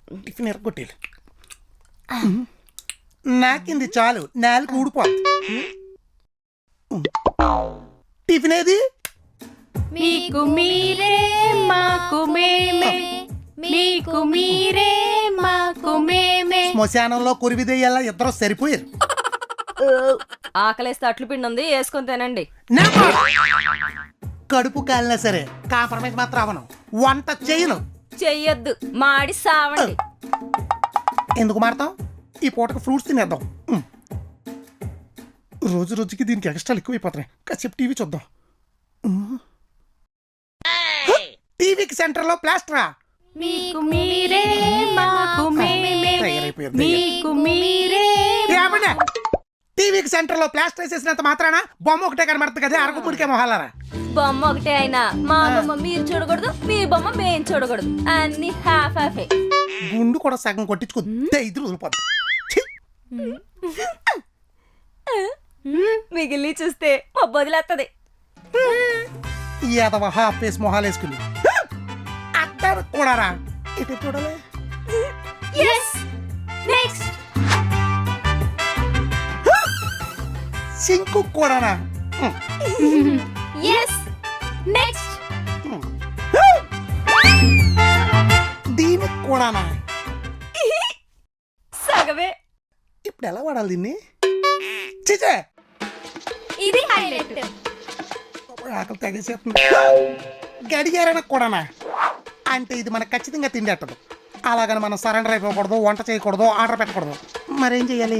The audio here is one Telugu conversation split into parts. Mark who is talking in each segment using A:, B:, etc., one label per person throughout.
A: టిఫిన్ ఎరగొట్టేది. నాకింది చాలు, నాలుగు ఊడిపోతుంది. టిఫిన్ ఏది?
B: మీకు మీరే మాకు మేమే, మీకు మీరే మాకు మేమే.
A: శ్మశానంలో కురివిదేయాల ఇద్దరు సరిపోయారు.
B: ఆకలేస్తే అట్లు పిండి ఉంది, వేసుకొని తినండి.
A: కడుపు కాలినా సరే కాంప్రమైజ్ మాత్రం అవను. వంట చేయను.
B: చెయ్యొద్దు, మాడి సావండి.
A: ఎందుకు మాడతాం? ఈ పూటకు ఫ్రూట్స్ తినేద్దాం. రోజు రోజుకి దీనికి ఎక్స్ట్రాలు ఎక్కువైపోతున్నాయి. కాసేపు టీవీ చూద్దాం. టీవీకి సెంటర్ లో ప్లాస్టరా?
B: మీకు మీరే మాకు మేమే, మీకు మీరే.
A: టీవీకి సెంటర్ లో ప్లాస్టర్ వేసేసినంత మాత్రాన బొమ్మ ఒకటే కనబడుతుంది కదా, అరకుడికే మొహాలరా.
B: బొమ్మ ఒకటే అయినా మా బొమ్మ మీరు చూడకూడదు, మీ బొమ్మ మేము చూడకూడదు. అన్ని హాఫ్ హాఫే.
A: గుండు కూడా సగం కొట్టించుకుంటే ఇది వదిలిపోద్ది.
B: మిగిలి చూస్తే పబ్బు వదిలేస్తుంది.
A: ఏదవ హాఫ్ ఫేస్ మొహాలు వేసుకుంది. అట్టారు కూడారా? ఇటు చూడాలి.
B: నెక్స్ట్
A: సింకు కూడానా?
B: నెక్స్ట్
A: దీనికి కూడానా?
B: సగవే.
A: ఇప్పుడు ఎలా వాడాలి దీన్ని? చిచే
B: ఇది హైలైట్.
A: ఆకలి తెగేసేస్తుంది. గడియారన కూడానా? అంటే ఇది మనకు ఖచ్చితంగా తిండేట్టదు. అలాగని మనం సరెండర్ అయిపోకూడదు, వంట చేయకూడదు, ఆర్డర్ పెట్టకూడదు. మరేం చెయ్యాలి?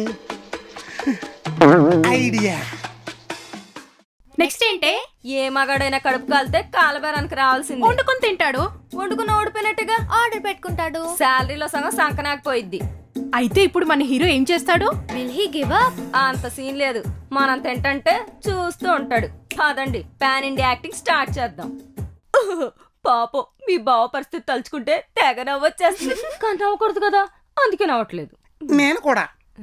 A: ఐడియా.
B: నెక్స్ట్ ఏంటే? ఏ మగాడైనా కడుపు కాలితే కాలబేరానికి రావాల్సింది. వండుకొని తింటాడు, వండుకుని ఓడిపోయినట్టుగా ఆర్డర్ పెట్టుకుంటాడు. శాలరీలో సగం సంకనాకపోయిద్ది.
C: అయితే ఇప్పుడు మన హీరో ఏం చేస్తాడు?
B: Will he give up? అంత సీన్ లేదు. మనం తింటంటే చూస్తూ ఉంటాడు. కాదండి, పాన్ ఇండియా యాక్టింగ్ స్టార్ట్ చేద్దాం. పాపం మీ బావ పరిస్థితి తలుచుకుంటే తెగ నవ్వొచ్చేస్తుంది. కానీ నవ్వకూడదు కదా, అందుకే నవ్వట్లేదు.
A: నేను కూడా.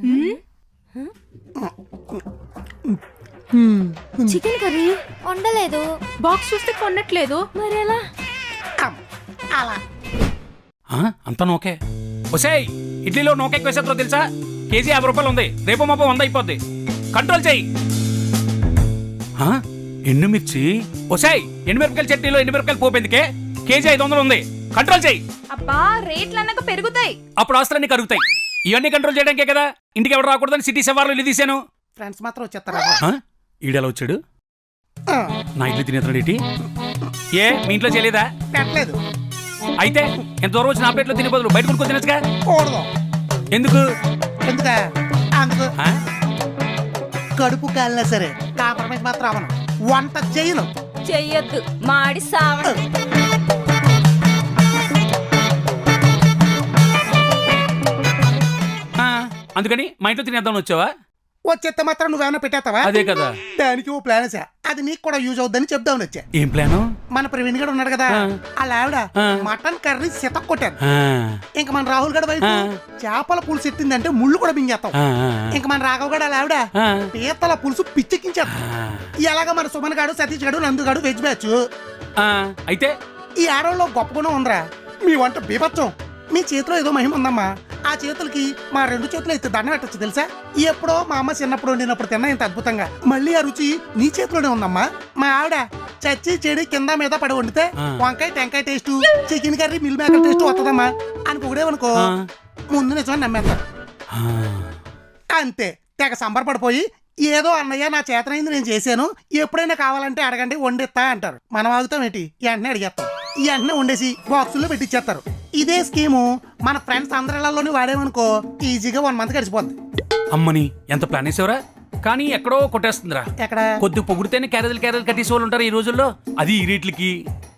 B: Chicken curry వండలేదు.
C: బాక్స్ చూస్తే కొనట్లేదు.
B: మరి ఎలా?
A: అలా
D: అంతా నోకే. ఒసేయ్, ఇడ్లీలో నోకే ఎక్కువేసేతో తెలుసా? కేజీ 50 రూపాయలు ఉంది. రేపు మాపో 100 అయిపోద్ది. కంట్రోల్ చెయ్యి. ఎండుమిర్చి. ఒసేయ్, ఎండుమిరపకాయల చట్నీలో ఎండుమిరపకాయలు పోపేందుకే కేజీ 500 ఉంది. కంట్రోల్ చెయ్యి.
C: అబ్బా, రేట్లు అన్నాక పెరుగుతాయి.
D: అప్పుడు ఆస్తులన్నీ కరుగుతాయి. ఇవన్నీ కంట్రోల్ చేయడానికే కదా ఇంటికి ఎవరు రాకూడదని సిటీ సవార్లు ఇల్లు తీసాను.
A: ఫ్రెండ్స్ మాత్రం వచ్చేస్తారా?
D: ఈడెలా వచ్చాడు? నా ఇల్లు తినేస్తున్నాడు ఏంటి? ఏ మీ ఇంట్లో చేయలేదా?
A: పెట్టలేదు.
D: అయితే ఎంత దూరం వచ్చి నా ప్లేట్లో తినే బదులు బయట కొనుక్కొని తినచ్చుగా.
A: కూడదు.
D: ఎందుకు?
A: ఎందుకా? అందుకు. కడుపు కాలినా సరే కాంప్రమైజ్ మాత్రం అవను. వంట చేయను.
B: చెయ్యొద్దు, మాడి సావండి.
D: అందుకని మా ఇంట్లో తినేద్దామని వచ్చావా?
A: వచ్చేస్తే మాత్రం నువ్వేమైనా పెట్టేస్తావా?
D: అదే కదా.
A: దానికి ఓ ప్లాన్ వేసా. అది నీకు కూడా యూజ్ అవుద్దని చెప్దామని వచ్చా.
D: ఏం ప్లాను?
A: మన ప్రవీణ్ గడు ఉన్నాడు కదా, వాళ్ళ ఆవిడ మటన్ కర్రీ సితక్ కొట్టారు. ఇంకా మన రాహుల్ గడ వైపు చేపల పులుసు ఎట్టిందంటే ముళ్ళు కూడా మింగేస్తాం. ఇంకా మన రాఘవ్ గడ వాళ్ళ ఆవిడ పీతల పులుసు పిచ్చెక్కించేస్తాం. ఇలాగా మన సుమన్ గాడు, సతీష్ గడు, నందు గడు వెజ్ బ్యాచ్.
D: అయితే
A: ఈ ఆడవాళ్ళు గొప్ప గుణం ఉందిరా. మీ వంట బీభత్సం. మీ చేతిలో ఏదో మహిమ ఉందమ్మా. ఆ చేతులకి మా 2 చేతులు అయితే దండ పెట్టచ్చు తెలుసా? ఎప్పుడో మా అమ్మ చిన్నప్పుడు వండినప్పుడు తిన్నా ఇంత అద్భుతంగా. మళ్ళీ ఆ రుచి నీ చేతిలోనే ఉందమ్మా. మా ఆవిడ చచ్చి చెడి కింద మీద పడి వండితే వంకాయ టెంకాయ taste, chicken curry meal maker taste వస్తుందమ్మా అని పొగిడేవనుకో ముందు నిజమని నమ్మేస్తా. అంతే తెగ సంబరపడిపోయి ఏదో అన్నయ్య నా చేతనైంది నేను చేశాను, ఎప్పుడైనా కావాలంటే అడగండి వండిస్తా అంటారు. మనం ఆగుతాం ఏంటి? వెంటనే అడిగేస్తాం. ఈ వెంటనే వండేసి బాక్సుల్లో పెట్టిచ్చేస్తారు. ఇదే స్కీము మన ఫ్రెండ్స్ అందరిలోని వాడేమనుకో ఈజీగా 1 మంత్ గడిచిపోద్ది.
D: అమ్మని ఎంత ప్లాన్ వేసావురా? కానీ ఎక్కడో కొట్టేస్తుందిరా.
A: ఎక్కడ?
D: కొద్ది పొగిడితేనే క్యారేజీలు కట్టేసి వాళ్ళు ఉంటారు ఈ రోజుల్లో. అది ఈ రేట్లకి.